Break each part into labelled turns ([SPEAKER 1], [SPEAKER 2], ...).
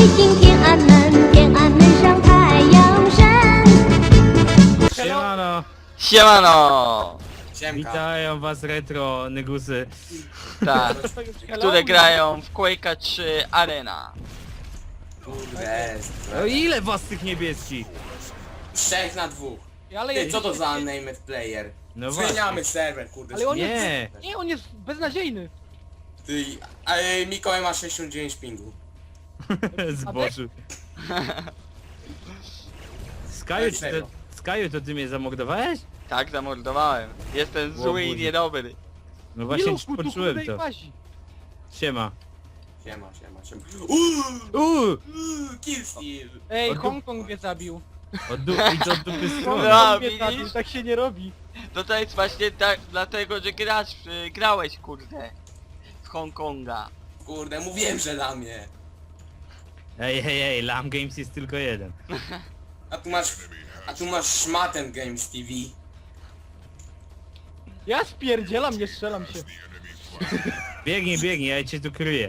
[SPEAKER 1] 今天安门，天安门上太阳升。
[SPEAKER 2] Siemano!
[SPEAKER 3] Siemano!
[SPEAKER 4] Siemka.
[SPEAKER 2] Witają was retro nygusy.
[SPEAKER 3] Tak, które grają w Quake'a 3 Arena.
[SPEAKER 4] Kurde.
[SPEAKER 2] O ile was tych niebieskich?
[SPEAKER 4] 3 na 2.
[SPEAKER 5] Ale
[SPEAKER 4] Ty, co to za unnamed player?
[SPEAKER 2] No
[SPEAKER 4] Zmieniamy serwer, kurde.
[SPEAKER 5] Ale on
[SPEAKER 2] Nie.
[SPEAKER 5] jest... Nie, on jest beznadziejny.
[SPEAKER 4] Ty, Mikołaj ma 69 pingu.
[SPEAKER 2] Zboczył. Skaju, to ty mnie zamordowałeś?
[SPEAKER 3] Tak, zamordowałem. Jestem zły i
[SPEAKER 2] Boże.
[SPEAKER 3] niedobry.
[SPEAKER 2] No właśnie
[SPEAKER 5] Miluchu, tu
[SPEAKER 2] poczułem
[SPEAKER 5] kurde i
[SPEAKER 2] to.
[SPEAKER 5] łazi.
[SPEAKER 2] Siema.
[SPEAKER 4] Siema. Kill steal.
[SPEAKER 5] Ej,
[SPEAKER 2] Od
[SPEAKER 5] Hongkong mnie zabił.
[SPEAKER 2] Idź od dupy strony.
[SPEAKER 3] No,
[SPEAKER 5] Hongkong mnie
[SPEAKER 3] widzisz?
[SPEAKER 5] zabił, tak się nie robi.
[SPEAKER 3] No to jest właśnie tak, dlatego, że grałeś, kurde. Z Hongkonga.
[SPEAKER 4] Kurde, mówiłem, że dla mnie.
[SPEAKER 2] Ej, Lam Games jest tylko jeden.
[SPEAKER 4] A tu masz szmatem Games TV.
[SPEAKER 5] Ja spierdzielam, nie strzelam się.
[SPEAKER 2] Biegnij, ja cię tu kryję.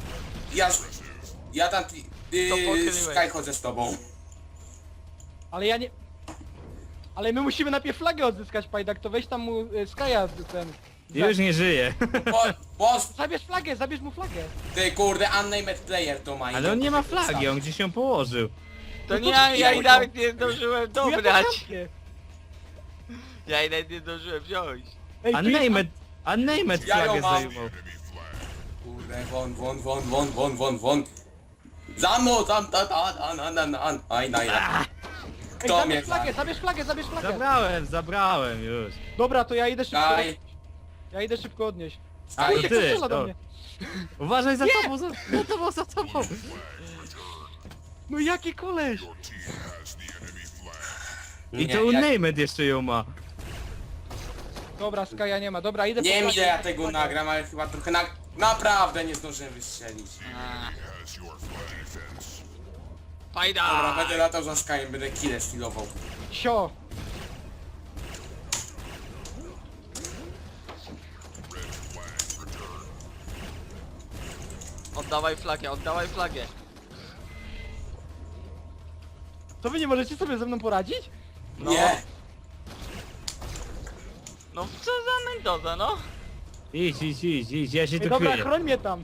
[SPEAKER 4] Ja tam
[SPEAKER 3] To pokryłeś.
[SPEAKER 4] Sky chodzę z tobą.
[SPEAKER 5] Ale ja nie... Ale my musimy najpierw flagę odzyskać, Pajdak, to weź tam mu Skaja ten...
[SPEAKER 2] Już nie żyję.
[SPEAKER 5] Zabierz mu flagę.
[SPEAKER 4] Ty kurde, unnamed player to ma.
[SPEAKER 2] Ale on nie ma flagi, on gdzieś ją położył.
[SPEAKER 3] To
[SPEAKER 5] No
[SPEAKER 3] nie,
[SPEAKER 5] to
[SPEAKER 3] ja i
[SPEAKER 4] chuj.
[SPEAKER 3] nawet nie zdążyłem
[SPEAKER 5] Ja to
[SPEAKER 3] dobrać.
[SPEAKER 5] zamknę.
[SPEAKER 3] Ja i nawet nie zdążyłem wziąć.
[SPEAKER 5] Ej, tu jest...
[SPEAKER 2] Unnamed
[SPEAKER 4] Ja ją
[SPEAKER 2] flagę
[SPEAKER 4] mam.
[SPEAKER 2] zajmował.
[SPEAKER 4] Kurde, won. Za mną, tam, aj.
[SPEAKER 5] Ej,
[SPEAKER 4] Kto mnie
[SPEAKER 5] zabierz flagę.
[SPEAKER 2] Zabrałem już.
[SPEAKER 5] Dobra, to ja idę szybko...
[SPEAKER 4] Daj.
[SPEAKER 5] Ja idę szybko odnieść.
[SPEAKER 4] Aj,
[SPEAKER 5] Kurde, kto
[SPEAKER 2] ty,
[SPEAKER 5] strzela do
[SPEAKER 2] to-
[SPEAKER 5] mnie?
[SPEAKER 2] Uważaj za tobą.
[SPEAKER 5] No jaki koleś?
[SPEAKER 2] I to Unnamed jeszcze ją ma.
[SPEAKER 5] Dobra, Skaja nie ma. Dobra, idę
[SPEAKER 4] Nie
[SPEAKER 5] po
[SPEAKER 4] wiem
[SPEAKER 5] flagę,
[SPEAKER 4] ile ja
[SPEAKER 5] idę po
[SPEAKER 4] tego
[SPEAKER 5] flagę.
[SPEAKER 4] nagram, ale chyba trochę naprawdę nie zdążyłem wystrzelić.
[SPEAKER 3] Fajda!
[SPEAKER 4] Dobra, będę latał za Skyem, będę kile stylował.
[SPEAKER 5] Sio.
[SPEAKER 3] Oddawaj flagę.
[SPEAKER 5] To wy nie możecie sobie ze mną poradzić?
[SPEAKER 3] No.
[SPEAKER 4] Nie!
[SPEAKER 3] No co za Mendoza, no?
[SPEAKER 2] Idź, ja się
[SPEAKER 5] Ej,
[SPEAKER 2] tu
[SPEAKER 5] dobra,
[SPEAKER 2] kryję.
[SPEAKER 5] chroń mnie tam.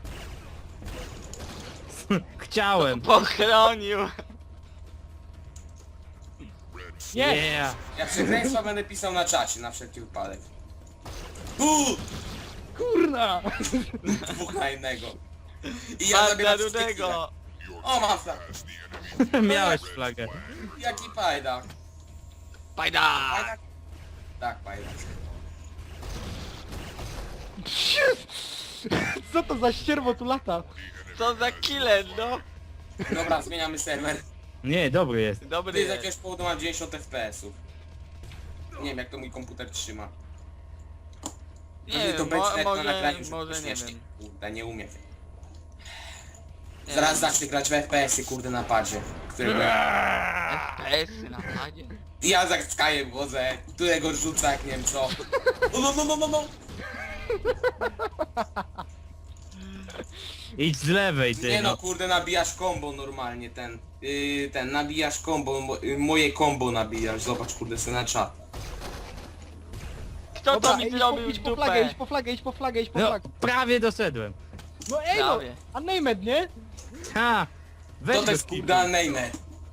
[SPEAKER 2] Chciałem.
[SPEAKER 3] Pochronił.
[SPEAKER 5] Nie.
[SPEAKER 2] Yeah.
[SPEAKER 4] Ja przekleństwa będę pisał na czacie, na wszelki wypadek.
[SPEAKER 5] Kurna.
[SPEAKER 4] 2 na 1. I ja zabieram
[SPEAKER 3] Banda
[SPEAKER 4] wszystkie kile.
[SPEAKER 3] Rudego.
[SPEAKER 4] O, mam flag.
[SPEAKER 2] Miałeś flagę.
[SPEAKER 4] Jaki pajdak?
[SPEAKER 3] Fajda!
[SPEAKER 4] Pajdak? Tak, pajdak.
[SPEAKER 5] Co to za ścierwo tu lata?
[SPEAKER 3] Co za killer, no?
[SPEAKER 4] Dobra, zmieniamy serwer.
[SPEAKER 2] Nie, dobry jest.
[SPEAKER 3] Dobry
[SPEAKER 4] Ty z
[SPEAKER 3] jest.
[SPEAKER 4] jakiegoś powodu mam 90 FPS-ów. Nie wiem jak to mój komputer trzyma.
[SPEAKER 3] Nie
[SPEAKER 4] Pewnie to
[SPEAKER 3] wiem,
[SPEAKER 4] będzie na
[SPEAKER 3] może
[SPEAKER 4] nagraniu, żeby
[SPEAKER 3] nie
[SPEAKER 4] śmiesznie.
[SPEAKER 3] wiem.
[SPEAKER 4] Kurde, nie umiem.
[SPEAKER 3] Nie
[SPEAKER 4] Zaraz
[SPEAKER 3] wiem.
[SPEAKER 4] zacznę grać w FPS-y, kurde, na padzie. Którego...
[SPEAKER 3] FPS-y na padzie.
[SPEAKER 4] I ja za Skyem wodzę, którego rzuca jak nie wiem co. No.
[SPEAKER 2] Idź z lewej, ty
[SPEAKER 4] Nie no,
[SPEAKER 2] no.
[SPEAKER 4] kurde, nabijasz combo normalnie, nabijasz combo, moje combo nabijasz, zobacz, kurde, sobie na czat.
[SPEAKER 3] Kto to mi
[SPEAKER 5] idź
[SPEAKER 3] zrobił
[SPEAKER 5] idź
[SPEAKER 3] w
[SPEAKER 5] po flagę,
[SPEAKER 3] dupę?
[SPEAKER 5] idź po flagę.
[SPEAKER 2] No, prawie doszedłem.
[SPEAKER 5] No ej no,
[SPEAKER 3] Prawie.
[SPEAKER 5] unnamed, nie?
[SPEAKER 2] Ha! Weź
[SPEAKER 4] To
[SPEAKER 2] go
[SPEAKER 4] jest
[SPEAKER 2] skipnij.
[SPEAKER 4] kurde unnamed.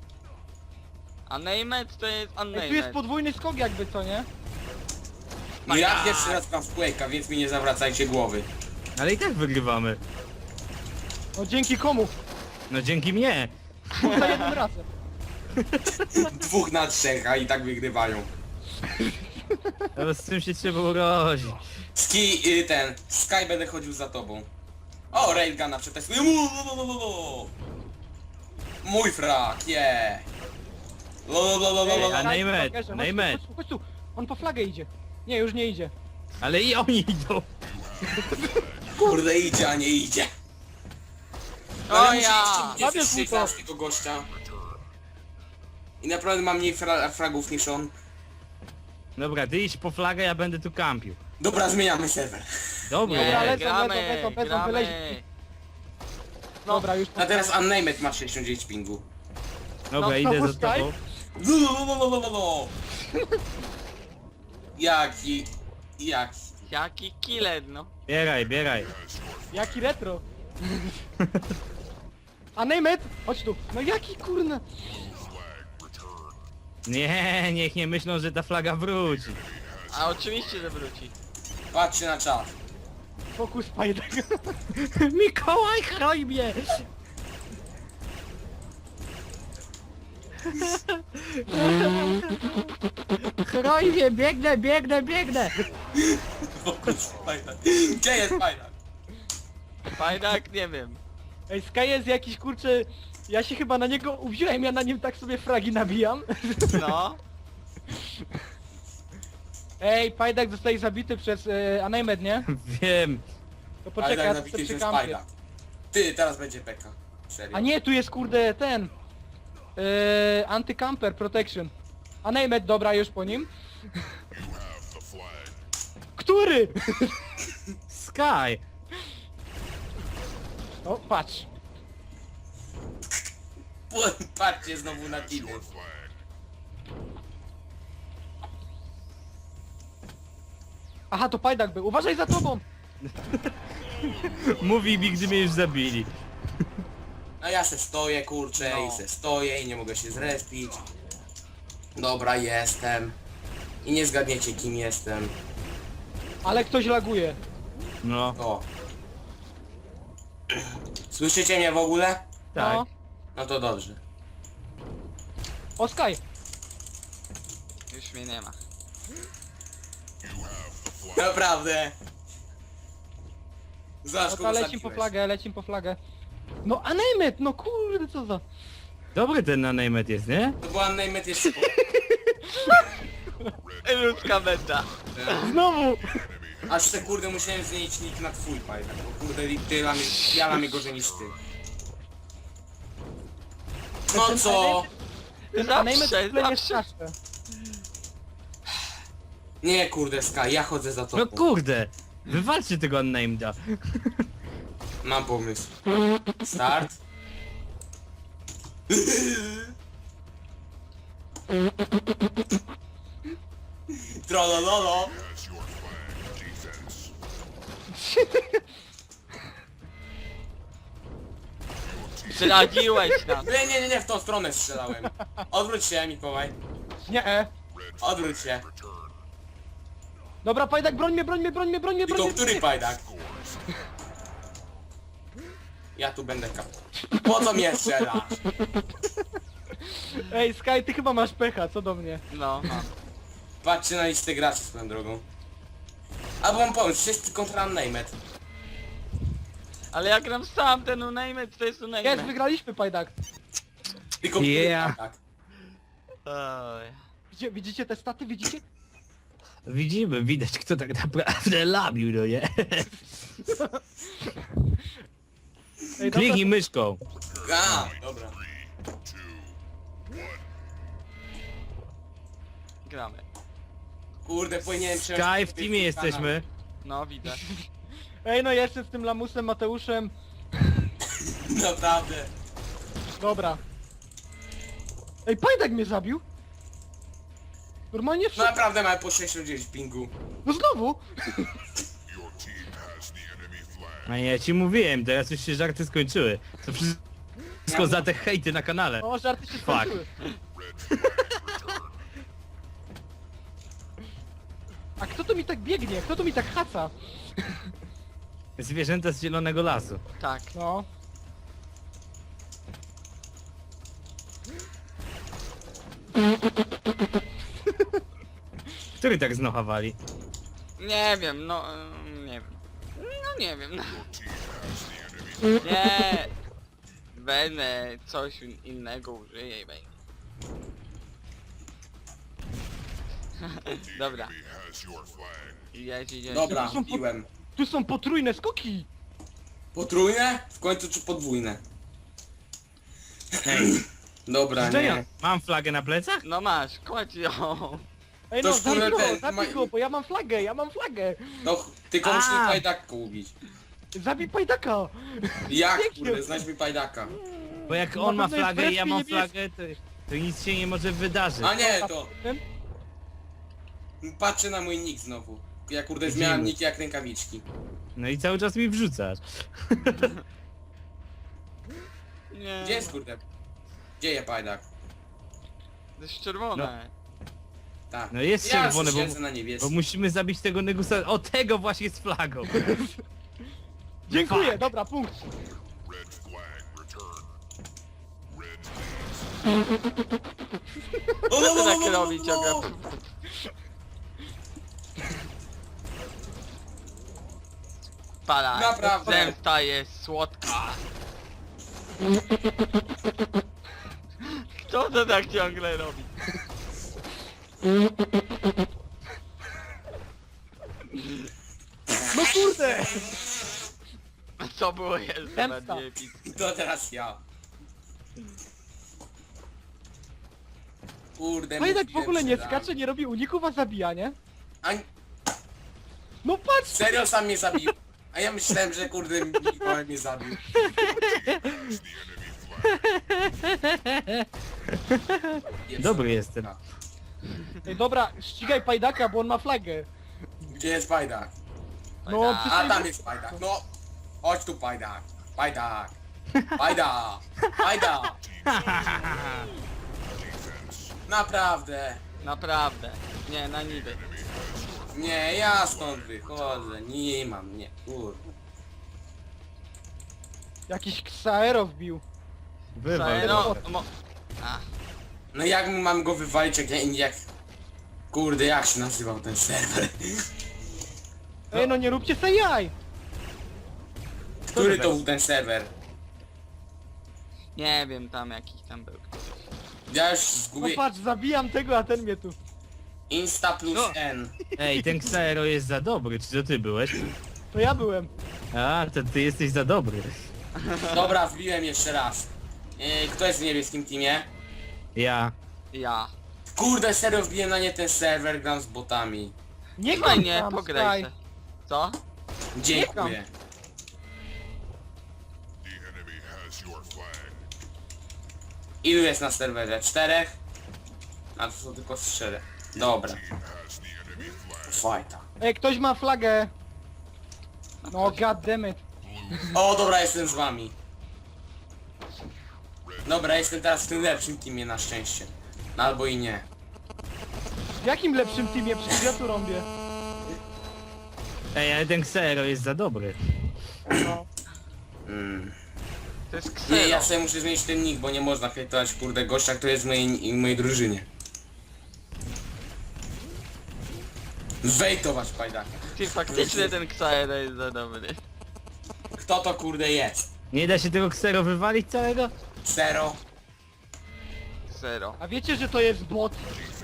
[SPEAKER 3] Unnamed to jest
[SPEAKER 5] Ej, tu jest
[SPEAKER 3] unnamed.
[SPEAKER 5] podwójny skok jakby, co nie?
[SPEAKER 4] No ja pierwszy raz gram w Quake'a, więc mi nie zawracajcie głowy.
[SPEAKER 2] Ale i tak wygrywamy.
[SPEAKER 5] No dzięki komu?
[SPEAKER 2] No dzięki mnie.
[SPEAKER 5] Za jednym razem.
[SPEAKER 4] 2 na 3, a i tak wygrywają.
[SPEAKER 2] Ale z czym się trzeba urodzić?
[SPEAKER 4] Sky będę chodził za tobą. O, Railguna przetestuję. Mój frak, yeah.
[SPEAKER 2] Ej, a
[SPEAKER 5] Ej,
[SPEAKER 2] Neymet,
[SPEAKER 5] chodź,
[SPEAKER 2] Neymet.
[SPEAKER 5] chodź tu. On po flagę idzie. Nie, już nie idzie.
[SPEAKER 2] Ale i oni idą.
[SPEAKER 4] Kurde, idzie, a nie idzie.
[SPEAKER 3] O ja!
[SPEAKER 5] Zabierz mu to.
[SPEAKER 4] tego gościa. I naprawdę mam mniej fragów niż on.
[SPEAKER 2] Dobra, ty idź po flagę, ja będę tu kampił.
[SPEAKER 4] Dobra, zmieniamy serwer.
[SPEAKER 2] Dobra.
[SPEAKER 5] Dobra,
[SPEAKER 3] Nie,
[SPEAKER 5] lecą,
[SPEAKER 3] gramy,
[SPEAKER 5] lecą, wyleź.
[SPEAKER 3] No.
[SPEAKER 5] Dobra, już
[SPEAKER 4] A teraz Unnamed ma 69 pingu.
[SPEAKER 2] Dobra,
[SPEAKER 3] No,
[SPEAKER 2] idę
[SPEAKER 5] znowu
[SPEAKER 2] za tobą.
[SPEAKER 4] No. Jaki...
[SPEAKER 3] Jaki killer, no.
[SPEAKER 2] Bieraj, bieraj.
[SPEAKER 5] Jaki retro. A name it! Chodź tu. No jaki kurna.
[SPEAKER 2] Nie, niech nie myślą, że ta flaga wróci.
[SPEAKER 3] A oczywiście, że wróci.
[SPEAKER 4] Patrzcie na czat.
[SPEAKER 5] Fokus Pajdak.
[SPEAKER 2] Mikołaj, chroj mnie! Chroj mnie, biegnę, biegnę, biegnę!
[SPEAKER 4] Gdzie jest Pajdak?
[SPEAKER 3] Fajnak, nie wiem.
[SPEAKER 5] Ej, Sky jest jakiś kurczę... Ja się chyba na niego uwziąłem, ja na nim tak sobie fragi nabijam.
[SPEAKER 3] No.
[SPEAKER 5] Ej, Pajdak zostaje zabity przez Unnamed, nie?
[SPEAKER 2] Wiem.
[SPEAKER 5] To poczekaj,
[SPEAKER 4] Pajdak
[SPEAKER 5] ja
[SPEAKER 4] nabity
[SPEAKER 5] sobie
[SPEAKER 4] przez
[SPEAKER 5] czekam.
[SPEAKER 4] Pajdak. Ty, teraz będzie Peka. Serio.
[SPEAKER 5] A nie, tu jest kurde ten... Anti-camper protection. Unnamed, dobra, już po nim. Który?
[SPEAKER 2] Sky!
[SPEAKER 5] O, patrz.
[SPEAKER 4] Patrzcie znowu na tiny.
[SPEAKER 5] Aha, to Pajdak był. Uważaj za tobą!
[SPEAKER 2] Mówi mi, gdy mnie już zabili.
[SPEAKER 4] A ja se stoję, kurczę,
[SPEAKER 3] No.
[SPEAKER 4] i se stoję i nie mogę się zrespić. Dobra, jestem. I nie zgadniecie kim jestem.
[SPEAKER 5] Ale ktoś laguje.
[SPEAKER 2] No,
[SPEAKER 4] O. Słyszycie mnie w ogóle?
[SPEAKER 2] tak.
[SPEAKER 5] No.
[SPEAKER 4] No to dobrze.
[SPEAKER 5] O, Sky!
[SPEAKER 3] Już mnie nie ma.
[SPEAKER 4] Naprawdę. Zobacz,
[SPEAKER 5] No to
[SPEAKER 4] kogo
[SPEAKER 5] lecim
[SPEAKER 4] zabiłeś.
[SPEAKER 5] po flagę, lecim po flagę. No Unnamed, no kurde, co za...
[SPEAKER 2] Dobry ten Unnamed jest, nie?
[SPEAKER 4] To była Unnamed jeszcze...
[SPEAKER 3] Ludzka meta.
[SPEAKER 5] Znowu!
[SPEAKER 4] Aż se kurde musiałem zmienić nick na twój Pajdak, bo kurde ja mam gorzej niż ty. No co?
[SPEAKER 5] Unnamed
[SPEAKER 3] Zawsze,
[SPEAKER 5] w ogóle nie
[SPEAKER 3] zawsze.
[SPEAKER 5] straszne.
[SPEAKER 4] Nie kurde Sky, ja chodzę za
[SPEAKER 2] No
[SPEAKER 4] tobą.
[SPEAKER 2] kurde! Wywalczcie tego Unnameda.
[SPEAKER 4] Mam pomysł. Start. Trollololo.
[SPEAKER 3] Zdradziłeś nas.
[SPEAKER 4] Nie, w tą stronę strzelałem. Odwróć się, Mikołaj.
[SPEAKER 5] Nie,
[SPEAKER 4] Odwróć się.
[SPEAKER 5] Dobra, Pajdak, broń mnie, broń mnie, broń mnie, broń mnie, broń
[SPEAKER 4] Tylko
[SPEAKER 5] mnie.
[SPEAKER 4] który Pajdak? Ja tu będę kap. Po co mnie strzelasz?
[SPEAKER 5] Ej, Sky, ty chyba masz pecha, co do mnie.
[SPEAKER 3] No, mam.
[SPEAKER 4] Patrzcie na listę graczy swoją drogą. Albo mam pomysł, wszyscy kontra Unnamed.
[SPEAKER 3] Ale ja gram sam, ten unajmy, to jest
[SPEAKER 5] Jest,
[SPEAKER 3] unajmy.
[SPEAKER 5] wygraliśmy, Pajdak.
[SPEAKER 4] Tylko który
[SPEAKER 2] Yeah.
[SPEAKER 4] Pajdak?
[SPEAKER 3] Oj.
[SPEAKER 5] Widzicie te staty, widzicie?
[SPEAKER 2] Widzimy, widać kto tak naprawdę labił, no nie?
[SPEAKER 5] Ej, dobra,
[SPEAKER 2] Kliknij myszką.
[SPEAKER 4] A, dobra.
[SPEAKER 3] Gramy.
[SPEAKER 4] Kurde, powinienem
[SPEAKER 2] Sky, w teamie jesteśmy.
[SPEAKER 3] No, widzę.
[SPEAKER 5] ej, no jeszcze z tym lamusem, Mateuszem.
[SPEAKER 4] Naprawdę.
[SPEAKER 5] Dobra. Ej, Pajdak mnie zabił. Normalnie
[SPEAKER 4] No
[SPEAKER 5] wszedł.
[SPEAKER 4] naprawdę mamy po 69 pingu.
[SPEAKER 5] No znowu!
[SPEAKER 2] A ja ci mówiłem, teraz już się żarty skończyły. To wszystko za te hejty na kanale.
[SPEAKER 5] O, żarty się skończyły. A kto tu mi tak biegnie? Kto tu mi tak haca?
[SPEAKER 2] Zwierzęta z zielonego lasu.
[SPEAKER 3] Tak.
[SPEAKER 5] No.
[SPEAKER 2] Który tak znocha wali?
[SPEAKER 3] Nie wiem, no, nie wiem. No nie wiem, no. Nie. Będę coś innego użyję i będzie. Dobra. Jedzie.
[SPEAKER 4] Dobra,
[SPEAKER 5] To są
[SPEAKER 4] piłem.
[SPEAKER 5] Tu są potrójne skoki!
[SPEAKER 4] Potrójne? W końcu czy podwójne? Dobra,
[SPEAKER 2] Szczenia,
[SPEAKER 4] nie.
[SPEAKER 2] mam flagę na plecach?
[SPEAKER 3] No masz, kładź ją.
[SPEAKER 5] Ej
[SPEAKER 4] To
[SPEAKER 5] no,
[SPEAKER 4] skóra ten,
[SPEAKER 5] zabij go, bo ja mam flagę,
[SPEAKER 4] No, tylko musisz
[SPEAKER 2] A.
[SPEAKER 4] Pajdak ubić.
[SPEAKER 5] Zabij pajdaka!
[SPEAKER 4] Jak
[SPEAKER 5] Pięknie.
[SPEAKER 4] kurde, znajdź mi pajdaka.
[SPEAKER 2] Bo jak
[SPEAKER 5] Na
[SPEAKER 2] on ma
[SPEAKER 5] pewno jest
[SPEAKER 2] flagę i ja
[SPEAKER 5] wreszcie
[SPEAKER 2] mam
[SPEAKER 5] niebieski.
[SPEAKER 2] flagę, to nic się nie może wydarzyć.
[SPEAKER 4] A nie, to. Patrzę na mój nick znowu. Ja kurde zmieniam
[SPEAKER 2] Widzimy.
[SPEAKER 4] nick jak rękawiczki.
[SPEAKER 2] No i cały czas mi wrzucasz.
[SPEAKER 3] Nie.
[SPEAKER 4] Gdzie jest kurde? Gdzie je pajdak?
[SPEAKER 3] To jest czerwone.
[SPEAKER 4] Tak.
[SPEAKER 2] No jest
[SPEAKER 4] Ja
[SPEAKER 2] czerwone,
[SPEAKER 4] siedzę
[SPEAKER 2] bo
[SPEAKER 4] na
[SPEAKER 2] Bo
[SPEAKER 4] niebieskim.
[SPEAKER 2] musimy zabić tego Negusa. O, tego właśnie z flagą.
[SPEAKER 5] Dziękuję, dobra, punkt.
[SPEAKER 4] O,
[SPEAKER 3] Co ty tak robi ciągle? Para,
[SPEAKER 4] Naprawdę.
[SPEAKER 3] zemsta jest słodka. Kto to tak ciągle robi?
[SPEAKER 5] No kurde!
[SPEAKER 3] Co było jeszcze
[SPEAKER 5] Zemsta.
[SPEAKER 3] bardziej epickie?
[SPEAKER 4] To teraz ja. Kurde,
[SPEAKER 5] Pajdak w
[SPEAKER 4] mówiłem,
[SPEAKER 5] ogóle
[SPEAKER 4] że
[SPEAKER 5] nie
[SPEAKER 4] dam.
[SPEAKER 5] skacze, nie robi uników, a zabija, nie?
[SPEAKER 4] A,
[SPEAKER 5] No patrz!
[SPEAKER 4] serio sam mnie zabił. A ja myślałem, że kurde Mikołaj mnie zabił.
[SPEAKER 2] Dobry jestem.
[SPEAKER 5] Ej, dobra, ścigaj pajdaka, bo on ma flagę.
[SPEAKER 4] Gdzie jest pajdak?
[SPEAKER 5] No,
[SPEAKER 3] Pajdak.
[SPEAKER 4] A tam jest pajdak, no. Chodź tu pajdak. Pajdak. Pajdak. Pajdak. Naprawdę.
[SPEAKER 3] Naprawdę. Nie, na niby.
[SPEAKER 4] Nie, ja stąd wychodzę. Nie mam, nie. Kurde.
[SPEAKER 5] Jakiś Xaero wbił.
[SPEAKER 2] Wywal.
[SPEAKER 3] No, A,
[SPEAKER 4] No jak mam go wywalić, jak... Kurde, jak się nazywał ten serwer?
[SPEAKER 5] Ej, no nie róbcie se jaj!
[SPEAKER 4] Który to był ten serwer?
[SPEAKER 3] nie wiem tam jakiś tam był.
[SPEAKER 4] Ja już
[SPEAKER 5] No
[SPEAKER 4] zgubię...
[SPEAKER 5] patrz, zabijam tego, a ten mnie tu.
[SPEAKER 4] Insta plus
[SPEAKER 2] No.
[SPEAKER 4] N.
[SPEAKER 2] Ej, ten Xaero jest za dobry, czy to ty byłeś?
[SPEAKER 5] To ja byłem.
[SPEAKER 2] A, to ty jesteś za dobry.
[SPEAKER 4] Dobra, wbiłem jeszcze raz. Kto jest w niebieskim teamie?
[SPEAKER 2] Ja.
[SPEAKER 3] Ja.
[SPEAKER 4] Kurde, serio wbiłem na nie ten serwer, gram z botami.
[SPEAKER 5] Nie
[SPEAKER 3] Fajnie,
[SPEAKER 5] tam,
[SPEAKER 3] pograj
[SPEAKER 5] Sky.
[SPEAKER 3] se. Co?
[SPEAKER 4] Dziękuję. Ilu jest na serwerze? 4? A to są tylko 3. Dobra. Fajta.
[SPEAKER 5] Ej, ktoś ma flagę. No goddammit.
[SPEAKER 4] O, dobra, jestem z wami. Dobra, jestem teraz w tym lepszym teamie na szczęście. No, albo i nie.
[SPEAKER 5] W jakim lepszym teamie? Przecież ja tu rąbię.
[SPEAKER 2] Ej, ale ten Xaero jest za dobry.
[SPEAKER 5] No.
[SPEAKER 3] To jest
[SPEAKER 4] Nie,
[SPEAKER 3] ksero.
[SPEAKER 4] ja sobie muszę zmienić ten nick, bo nie można hejtować kurde gościa, który jest w mojej drużynie. Wejtować pajdaka.
[SPEAKER 3] Ty faktycznie ten Xaero jest za dobry.
[SPEAKER 4] Kto to kurde jest?
[SPEAKER 2] Nie da się tego Xaero wywalić całego?
[SPEAKER 4] Zero.
[SPEAKER 3] Ksero.
[SPEAKER 5] A wiecie, że to jest bot?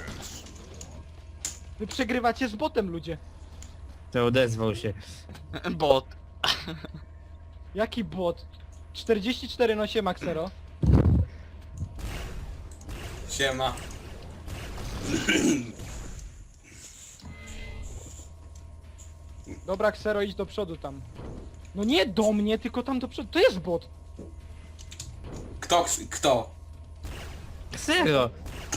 [SPEAKER 5] Wy przegrywacie z botem, ludzie.
[SPEAKER 2] To odezwał się.
[SPEAKER 3] Bot.
[SPEAKER 5] Jaki bot? 44 no się Maxero.
[SPEAKER 4] Siema.
[SPEAKER 5] Dobra, Xero, idź do przodu tam. No nie do mnie, tylko tam do przodu. To jest bot.
[SPEAKER 4] Kto?
[SPEAKER 2] Xaero!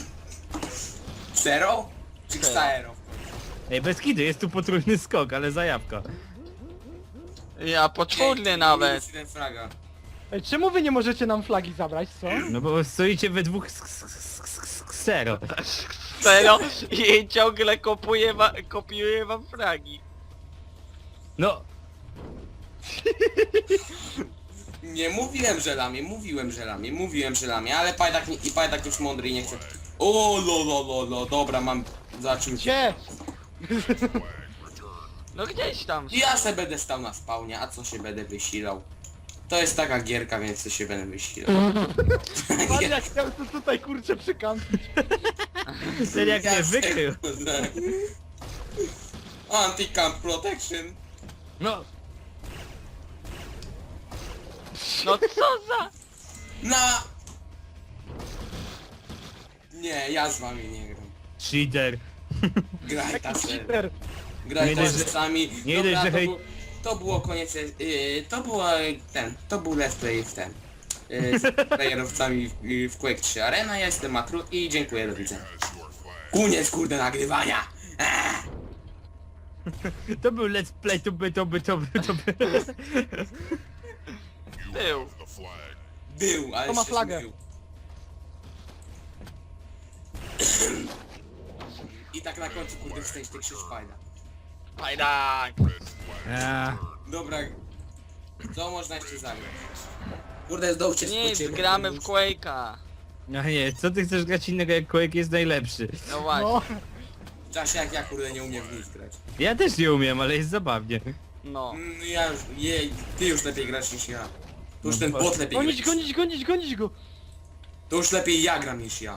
[SPEAKER 4] Zero? Czy
[SPEAKER 3] Zero.
[SPEAKER 4] Xaero?
[SPEAKER 2] Ej, bez kidy, jest tu potrójny skok, ale zajawka.
[SPEAKER 3] Ja poczwórny nawet.
[SPEAKER 4] Jeden fraga.
[SPEAKER 5] Ej, czemu wy nie możecie nam flagi zabrać, co?
[SPEAKER 2] No bo stoicie we dwóch Xaero.
[SPEAKER 3] Ksero i ciągle kopiuje wam fragi.
[SPEAKER 2] No,
[SPEAKER 4] Nie mówiłem, że lamie, mówiłem, że lamie, ale Pajdak już mądry i nie chce. O, lo, dobra, mam za czym się.
[SPEAKER 5] Gdzie?
[SPEAKER 3] No gdzieś tam.
[SPEAKER 4] Ja se będę stał na spawnie, a co się będę wysilał? To jest taka gierka, więc co się będę wysilał.
[SPEAKER 5] Pan jak chciał to tutaj kurczę przykampić.
[SPEAKER 2] ten jak mnie wykrył.
[SPEAKER 4] Anti-camp protection.
[SPEAKER 2] No,
[SPEAKER 3] No co za...
[SPEAKER 4] Na! Nie, ja z wami nie gram.
[SPEAKER 2] cheater.
[SPEAKER 4] Graj ta
[SPEAKER 5] Jaki
[SPEAKER 4] ser.
[SPEAKER 5] cheater.
[SPEAKER 4] Graj
[SPEAKER 2] Nie
[SPEAKER 4] ta
[SPEAKER 2] dość, że-
[SPEAKER 4] sami.
[SPEAKER 2] nie
[SPEAKER 4] Dobra,
[SPEAKER 2] dość, że
[SPEAKER 4] to
[SPEAKER 2] hej-
[SPEAKER 4] był- to było koniec, to był let's play w ten. Z playerowcami w Quake 3 Arena, ja jestem Matru i dziękuję, do widzenia. Koniec kurde nagrywania!
[SPEAKER 2] To był let's play, to by.
[SPEAKER 3] Był.
[SPEAKER 4] Był, ale
[SPEAKER 5] Kto ma
[SPEAKER 4] się
[SPEAKER 5] flagę?
[SPEAKER 4] zmylił. I tak na końcu kurde wstać tych krzyż fajna.
[SPEAKER 3] Pajdak.
[SPEAKER 4] Dobra, co można jeszcze zagrać? Kurde, zdołcie
[SPEAKER 3] Nic,
[SPEAKER 4] spodziewać.
[SPEAKER 3] gramy w Quake'a.
[SPEAKER 2] No nie, co ty chcesz grać innego jak Quake jest najlepszy?
[SPEAKER 3] No właśnie.
[SPEAKER 5] No,
[SPEAKER 4] W czasie jak ja kurde nie umiem w nic grać.
[SPEAKER 2] Ja też nie umiem, ale jest zabawnie.
[SPEAKER 3] No.
[SPEAKER 4] Ja już, ty już lepiej grasz niż ja. To już ten
[SPEAKER 2] No
[SPEAKER 4] bot lepiej
[SPEAKER 5] gonić,
[SPEAKER 4] gra.
[SPEAKER 5] gonić go!
[SPEAKER 4] To już lepiej ja gram niż ja.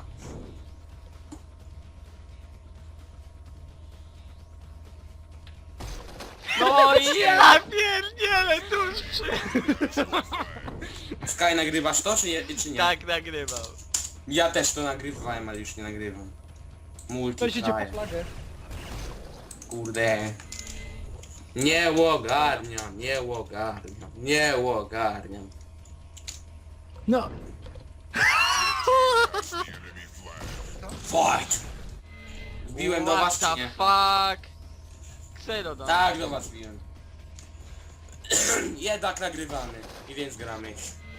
[SPEAKER 3] No i ja pierdzielę, tuż przy...
[SPEAKER 4] Sky, nagrywasz to czy nie?
[SPEAKER 3] Tak nagrywał.
[SPEAKER 4] Ja też to nagrywałem, ale już nie nagrywam.
[SPEAKER 5] To idzie po
[SPEAKER 4] Multiplayer.
[SPEAKER 5] flagę.
[SPEAKER 4] Kurde. Nie ogarniam, nie ogarniam.
[SPEAKER 2] No,
[SPEAKER 4] Fight! Wbiłem do was
[SPEAKER 3] What
[SPEAKER 4] czy nie?
[SPEAKER 3] the fuck? Ksero do
[SPEAKER 4] Tak, do was wbiłem. Jednak nagrywamy i więc gramy.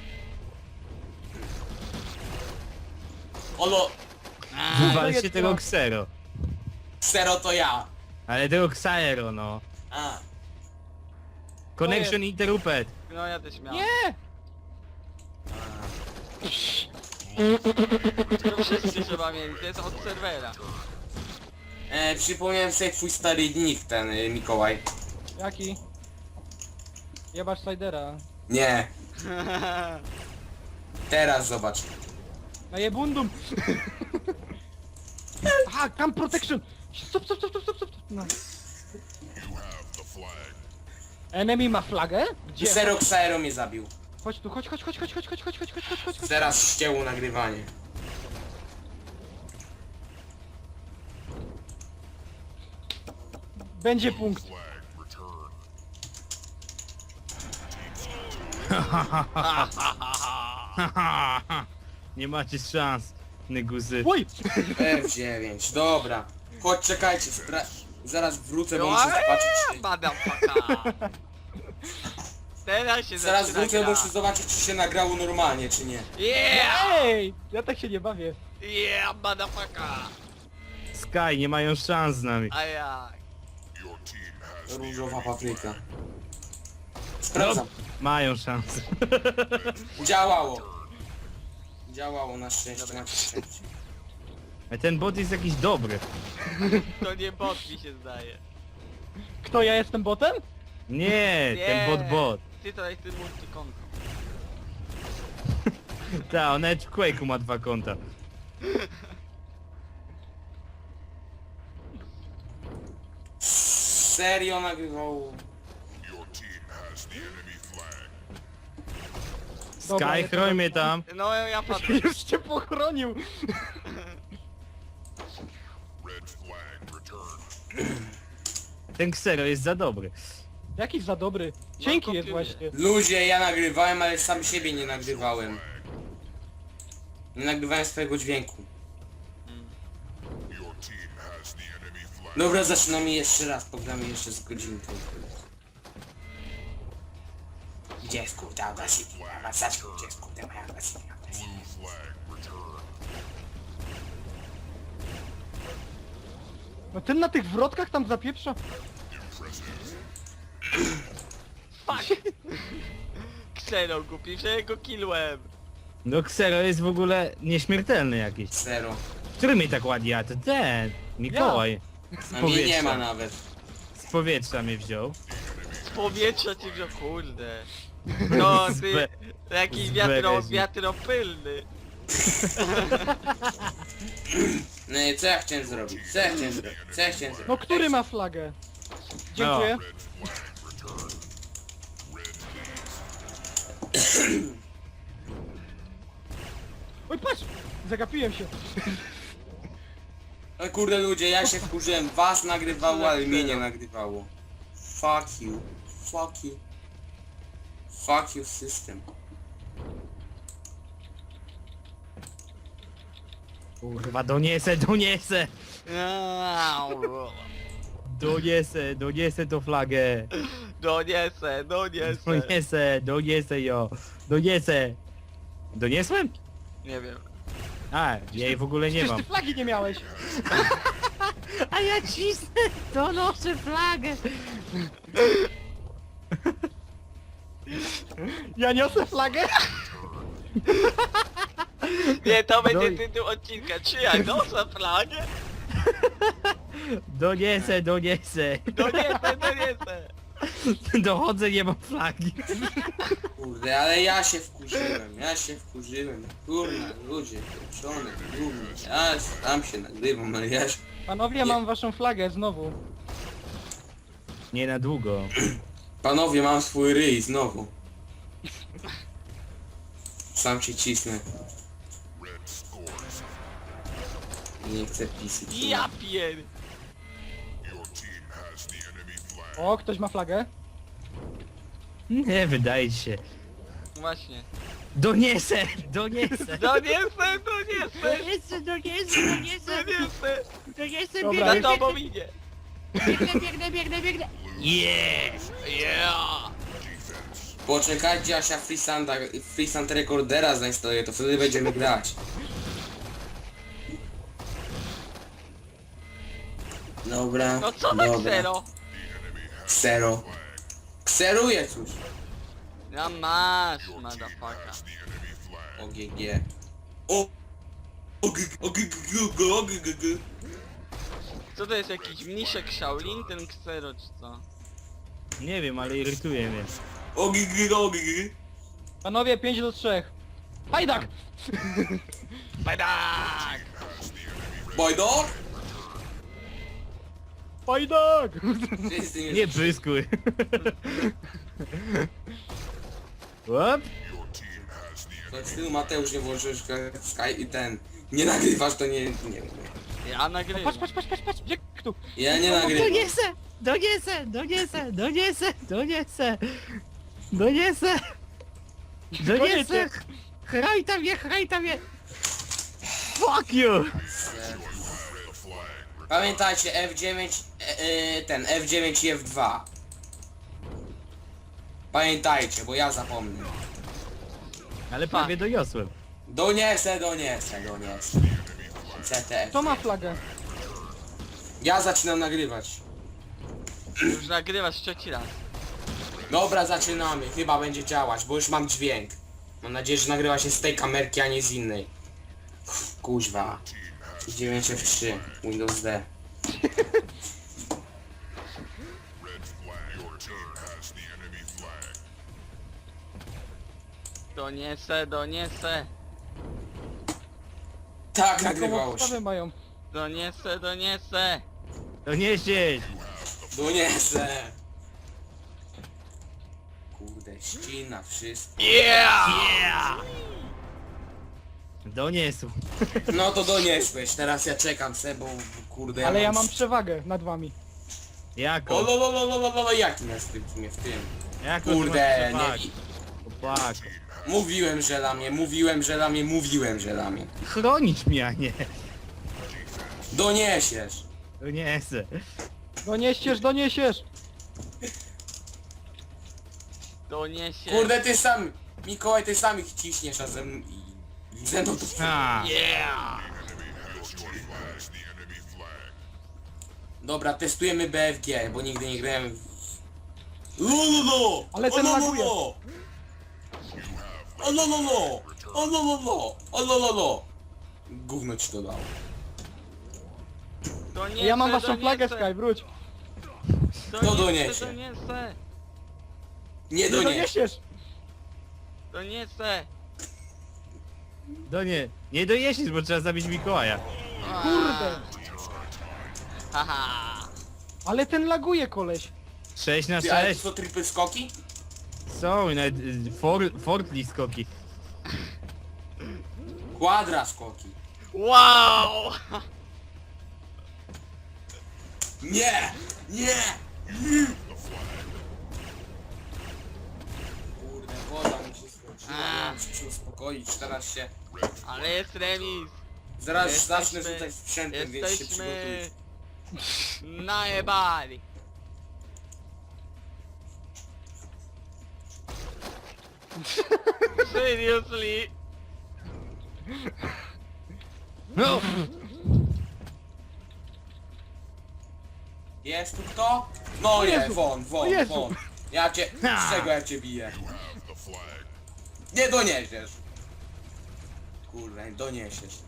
[SPEAKER 4] Olo,
[SPEAKER 2] wywalcie
[SPEAKER 5] jest
[SPEAKER 2] tego
[SPEAKER 5] to.
[SPEAKER 2] Xero.
[SPEAKER 4] Xero to ja.
[SPEAKER 2] Ale tego Xaero, no.
[SPEAKER 4] A,
[SPEAKER 2] Connection interrupted.
[SPEAKER 3] No ja też miałem.
[SPEAKER 5] Nie!
[SPEAKER 3] To wszyscy trzeba mieli, to jest od serwera.
[SPEAKER 4] Przypomniałem sobie twój stary nick, ten Mikołaj.
[SPEAKER 5] Jaki? Jebacz Slidera.
[SPEAKER 4] Nie, teraz zobacz.
[SPEAKER 5] Na jebundum! Aha, tam protection! Stop. No. Enemy ma flagę? Gdzie?
[SPEAKER 4] Xero Xero mnie zabił.
[SPEAKER 5] Chodź tu, chodź.
[SPEAKER 4] Teraz ścięło nagrywanie.
[SPEAKER 5] Będzie punkt.
[SPEAKER 2] Nie macie szans, negusy.
[SPEAKER 5] Oj!
[SPEAKER 4] F9, dobra. Chodź, czekajcie, zaraz wrócę, bo
[SPEAKER 3] No
[SPEAKER 4] muszę
[SPEAKER 3] ale
[SPEAKER 4] zobaczyć czy...
[SPEAKER 3] motherfucker. Teraz się
[SPEAKER 4] Zaraz
[SPEAKER 3] zaczyna
[SPEAKER 4] wrócę,
[SPEAKER 3] gra.
[SPEAKER 4] muszę zobaczyć czy się nagrało normalnie, czy nie.
[SPEAKER 3] Yeah!
[SPEAKER 5] Ej! Ja tak się nie bawię.
[SPEAKER 3] Yeah, motherfucker!
[SPEAKER 2] Sky, nie mają szans z nami.
[SPEAKER 3] A jak?
[SPEAKER 4] Różowa papryka. Sprawdzam.
[SPEAKER 2] Mają szansę.
[SPEAKER 4] Działało. Działało na szczęście, na szczęście.
[SPEAKER 2] A ten bot jest jakiś dobry.
[SPEAKER 3] To nie bot mi się zdaje.
[SPEAKER 5] Kto, ja jestem botem?
[SPEAKER 2] Nie, ten bot.
[SPEAKER 3] Ty to jest ten multikonto.
[SPEAKER 2] Ta, on nawet w Quake'u ma 2 konta.
[SPEAKER 4] Serio nagrywało.
[SPEAKER 5] Dobra,
[SPEAKER 2] Sky,
[SPEAKER 5] ale to-
[SPEAKER 2] chroń mnie tam.
[SPEAKER 3] No ja padłem.
[SPEAKER 5] Już cię pochronił!
[SPEAKER 2] Ten Xero jest za dobry.
[SPEAKER 5] Jaki za dobry. Cienki jest
[SPEAKER 3] kopiuję.
[SPEAKER 5] właśnie.
[SPEAKER 4] Ludzie, ja nagrywałem, ale sam siebie nie nagrywałem. Nie nagrywałem swojego dźwięku. Dobra, zaczynamy jeszcze raz, pogramy jeszcze z godzinką. Gdzie jest kurde agresywnie? Gdzie jest kurde moja agresywna?
[SPEAKER 5] No ten na tych wrotkach tam zapieprza.
[SPEAKER 3] Fuck! Ksero głupi, że go killłem.
[SPEAKER 2] No Xero jest w ogóle nieśmiertelny jakiś.
[SPEAKER 4] Zero.
[SPEAKER 2] Który mnie tak ładnie, a to ten, Mikołaj.
[SPEAKER 4] A mnie nie ma nawet.
[SPEAKER 2] Z powietrza mnie wziął.
[SPEAKER 3] Z powietrza ci wziął, kurde. No
[SPEAKER 2] Z
[SPEAKER 3] ty,
[SPEAKER 2] be-
[SPEAKER 3] jakiś
[SPEAKER 2] z berezi.
[SPEAKER 3] wiatropylny.
[SPEAKER 4] No i co ja chciałem zrobić? Co ja chciałem zrobić?
[SPEAKER 5] No który ma flagę? Dziękuję. Oj patrz! Zagapiłem się.
[SPEAKER 4] No kurde ludzie, ja się wkurzyłem. Was nagrywało, ale mnie nie nagrywało. Fuck you. Fuck you. Fuck you system.
[SPEAKER 2] Kurwa, doniesę, doniesę! Doniesę tą flagę!
[SPEAKER 3] Doniesę.
[SPEAKER 2] Doniesę ją! Doniesę! Doniesłem?
[SPEAKER 3] Nie wiem.
[SPEAKER 2] A, ja jej w ogóle nie
[SPEAKER 5] Przecież
[SPEAKER 2] mam.
[SPEAKER 5] ty flagi nie miałeś.
[SPEAKER 2] A ja cisnę, donoszę flagę!
[SPEAKER 5] Ja niosę flagę.
[SPEAKER 3] Nie, to będzie
[SPEAKER 2] Doj-
[SPEAKER 3] tytuł odcinka. Czy ja noszę flagę?
[SPEAKER 2] Doniesę!
[SPEAKER 3] Doniesę.
[SPEAKER 2] Dochodzę, nie mam flagi.
[SPEAKER 4] Kurde, ale ja się wkurzyłem. Kurna, ludzie, pieprzone, gówno. Ja tam się nagrywam, ale ja się...
[SPEAKER 5] Panowie, mam waszą flagę znowu.
[SPEAKER 2] Nie na długo.
[SPEAKER 4] Panowie, mam swój ryj znowu. Sam się cisnę. Nie chcę pisać.
[SPEAKER 3] Ja pier...
[SPEAKER 5] O, ktoś ma flagę?
[SPEAKER 2] Nie, wydaje ci się.
[SPEAKER 3] Właśnie.
[SPEAKER 2] Doniesę!
[SPEAKER 3] Doniesę.
[SPEAKER 2] Doniesę!
[SPEAKER 5] Dobra,
[SPEAKER 3] Za tobą idzie.
[SPEAKER 2] Yeah!
[SPEAKER 3] Yeah.
[SPEAKER 4] Poczekajcie, aż ja Freesand Recordera zainstaluję, to wtedy będziemy grać. Dobra,
[SPEAKER 3] No co na
[SPEAKER 4] dobra.
[SPEAKER 3] ksero?
[SPEAKER 4] Ksero. Kseruję cóż.
[SPEAKER 3] No masz, motherfucker.
[SPEAKER 4] OGG. O! OGG.
[SPEAKER 3] Co to jest jakiś mniszek Shaolin, ten ksero czy co?
[SPEAKER 2] Nie wiem, ale irytuje mnie.
[SPEAKER 4] OGG.
[SPEAKER 5] Panowie, 5-3. Pajdak!
[SPEAKER 3] Badak!
[SPEAKER 4] Boydor?
[SPEAKER 5] Pajdak!
[SPEAKER 4] Wszyscy mnie...
[SPEAKER 2] Nie pryskuj. Łap?
[SPEAKER 4] To ty, Mateusz, nie włożysz Sky i ten... Nie nagrywasz, to nie wiem.
[SPEAKER 3] Ja nagrywam.
[SPEAKER 5] Patrz, gdzie tu?
[SPEAKER 4] Ja nie nagrywam.
[SPEAKER 2] Doniesę! Chrajta mnie! Fuck you!
[SPEAKER 4] Pamiętajcie, F9, ten F9 i F2. Pamiętajcie, bo ja zapomnę.
[SPEAKER 2] Ale prawie doniosłem.
[SPEAKER 4] Doniesę. CTF.
[SPEAKER 5] Kto ma flagę?
[SPEAKER 4] Ja zaczynam nagrywać.
[SPEAKER 3] Już nagrywasz trzeci raz.
[SPEAKER 4] Dobra, zaczynamy. Chyba będzie działać, bo już mam dźwięk. Mam nadzieję, że nagrywa się z tej kamerki, a nie z innej. Kuźwa. 9 F3. Windows D.
[SPEAKER 3] Doniesę.
[SPEAKER 4] Tak,
[SPEAKER 5] Jaką
[SPEAKER 4] nagrywało
[SPEAKER 5] podstawę
[SPEAKER 4] się.
[SPEAKER 5] mają?
[SPEAKER 3] Doniesę.
[SPEAKER 2] Doniesiesz!
[SPEAKER 4] Doniesę. Kurde, ścina, wszystko.
[SPEAKER 3] Yeah!
[SPEAKER 2] Doniesł.
[SPEAKER 4] No to doniesłeś, teraz ja czekam se, bo kurde...
[SPEAKER 5] Ale ja mam przewagę nad wami.
[SPEAKER 2] Jako?
[SPEAKER 4] O lololololololo, jak mnie w tym?
[SPEAKER 2] Jako
[SPEAKER 4] Kurde, nie...
[SPEAKER 2] Chłopak.
[SPEAKER 4] Mówiłem, że lamię.
[SPEAKER 2] Chronić mnie, a nie.
[SPEAKER 4] Doniesiesz.
[SPEAKER 2] Doniesę.
[SPEAKER 5] Doniesiesz!
[SPEAKER 3] Doniesę.
[SPEAKER 4] Kurde, ty sam, Mikołaj, ty sam ich ciśniesz, a ze mną to...
[SPEAKER 2] A,
[SPEAKER 3] Yeah!
[SPEAKER 4] Dobra, testujemy BFG, bo nigdy nie grałem w... Lololo!
[SPEAKER 5] Ale ten laguje.
[SPEAKER 4] Olololo! Gówno ci to dało.
[SPEAKER 3] Doniesę,
[SPEAKER 5] Ja mam waszą flagę,
[SPEAKER 3] doniesę.
[SPEAKER 5] Sky, wróć.
[SPEAKER 4] Kto doniesie?
[SPEAKER 3] Doniesę.
[SPEAKER 4] Nie
[SPEAKER 5] Nie
[SPEAKER 4] doniesiesz.
[SPEAKER 5] doniesiesz!
[SPEAKER 3] Doniesę.
[SPEAKER 2] nie doniesiesz, bo trzeba zabić Mikołaja.
[SPEAKER 5] Kurde!
[SPEAKER 3] Haha.
[SPEAKER 5] Ale ten laguje, koleś.
[SPEAKER 2] 6 na
[SPEAKER 4] Ty, ale
[SPEAKER 2] 6.
[SPEAKER 4] to triple skoki?
[SPEAKER 2] Są i nawet fortli skoki.
[SPEAKER 4] Kwadra skoki.
[SPEAKER 3] Wow!
[SPEAKER 4] Nie! Muszę się uspokoić, teraz się...
[SPEAKER 3] Ale jest remis.
[SPEAKER 4] Zaraz
[SPEAKER 3] Jesteśmy-
[SPEAKER 4] zacznę rzucać sprzętem, więc się przygotujcie.
[SPEAKER 3] Jesteśmy najebali. Seriously?
[SPEAKER 2] No!
[SPEAKER 4] Jest tu kto? No nie,
[SPEAKER 5] Jezu!
[SPEAKER 4] won, won,
[SPEAKER 5] Jezu!
[SPEAKER 4] won. Ja cię...
[SPEAKER 2] Ha!
[SPEAKER 4] Z czego ja cię biję? Nie doniesiesz. Kurwa, nie doniesiesz.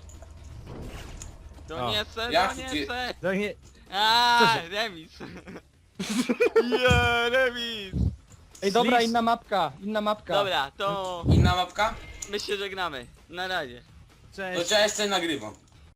[SPEAKER 3] Doniesę,
[SPEAKER 4] Jak ty-
[SPEAKER 3] doniesę.
[SPEAKER 2] No nie...
[SPEAKER 3] Aaa,
[SPEAKER 2] Co
[SPEAKER 3] remis. Yeah, remis.
[SPEAKER 5] Ej, dobra,
[SPEAKER 2] Slis.
[SPEAKER 5] inna mapka.
[SPEAKER 3] Dobra, to
[SPEAKER 4] Inna mapka?
[SPEAKER 3] my się żegnamy. Na razie.
[SPEAKER 4] To
[SPEAKER 2] Cześć.
[SPEAKER 4] ja jeszcze nagrywam.